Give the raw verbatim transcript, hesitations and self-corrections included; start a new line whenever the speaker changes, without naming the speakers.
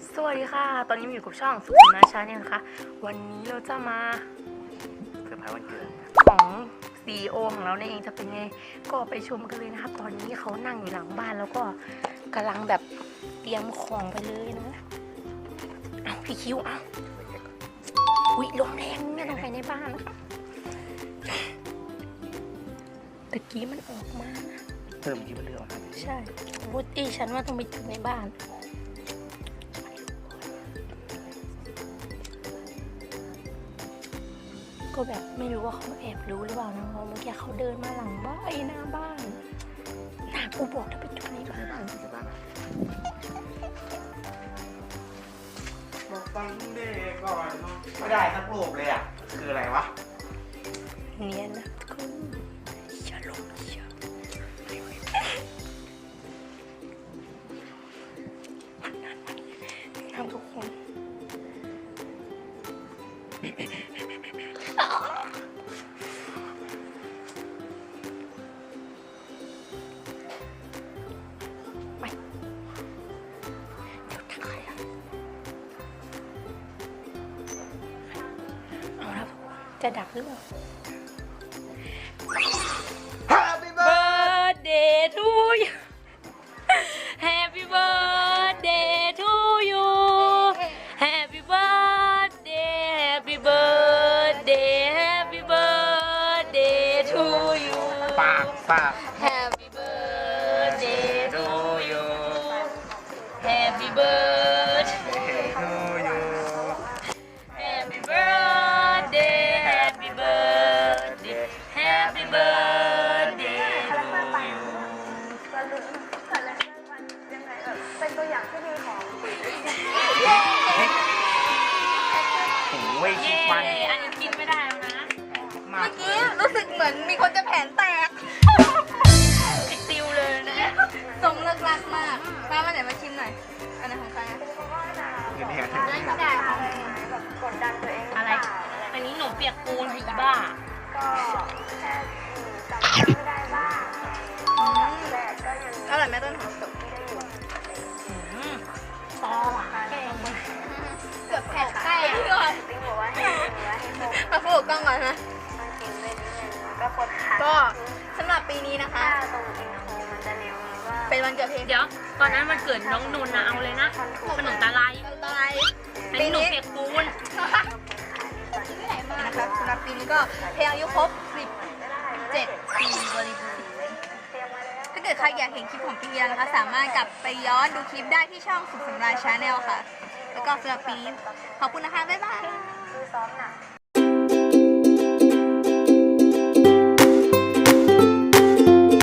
สวัสดีค่ะตอนนี้อยู่กับช่องสุขนาชาเนี่ยนะคะวันนี้เราจะมาเซอร์ไพรส์วันเกิดของซี อี โอ ของเราเนี่ยเองจะเป็นไงก็ไปชมกันเลยนะคะตอนนี้เขานั่งอยู่หลังบ้านแล้วก็กำลังแบบเตรียมของไปเลยนะเอาพี่คิวเอาอุ๊ยลมแรงเนี่ยลงไปในบ้านนะคะตะกี้มันออกมานะ
เติมกี่เรื่องครับ
ใช่วุฒิฉันว่าต้องไปจุดในบ้านก็แบบไม่รู้ว่าเขาแอบรู้หรือเปล่านะเพราะเมื่อกี้เขาเดินมาหลังบ้านไอ้หน้าบ้านหน้ากูบอกถ้าไปจุดในบ้าน
บอกฟังเด็กก่อนไม่ได้สักรูปเลยอ่ะคืออะไรวะ
เนียนนะคุณอย่าลงอย่าทำทุกคนจะดับหรือเปล่า
Happy
birthday to you Happy birthday to you Happy birthday Happy birthday Happy birthday to you
ปากปาก
Happy birthday to you Happy birthday
to you
Happy birthday Happy birthday Happy birthday to you
เป็นตัวอย่างที่ดีของ
โอ้ยชิฟัน
อันนี้กินไม่ได้แล้วนะ
มาก
เมื่อกี้รู้สึกเหมือนมีคนจะแผนแตก
ติดติวเลยนะ
ทรงเลิกลักมากมามาไหนมาชิมหน่อย อันไหนของใครอะ
เดี๋ยวเนี่ย
อันนี้ได้ของ
แบบกดดันตัวเอง
อะไร อันนี้หนูเปียกปูนอีบ้า
ก็แค่จำไม่ได้บ้างแรกก็ยัง
อร่อยไหมต้นหอมสุก
ซอหวานแกงมา
เกือบแผดแตกก่อน
ติ๊งบอกว่าให้ว่าให้พก
มาพูดกล้องก่อนนะ
มากินเลยนิดนึงก็กดขา
ก็สำหรับปีนี้นะคะ
ถ้าตรงอินโทรมันจะเร็วหรือว่า
เป็นวันเกิดเพลง
เดี๋ยว ตอนนั้นมันเกิดน้องนนท์นะเอาเลยนะขนมตาลาย
อะไร
อันนี้หนูเปียกปูน
นะครับสำหรับปีนี้ก็เพลงอายุครบสิบเจ็ดปีบริบูรณ์ถ้าเกิดใครอยากเห็นคลิปของปีนี้นะคะ สามารถกลับไปย้อนดูคลิปได้ที่ช่องสุขสำราญชาแนลค่ะ แล้วก็สำหรับปีนี้ขอบคุณนะคะ บ๊ายบาย
คือซ้อมหนัก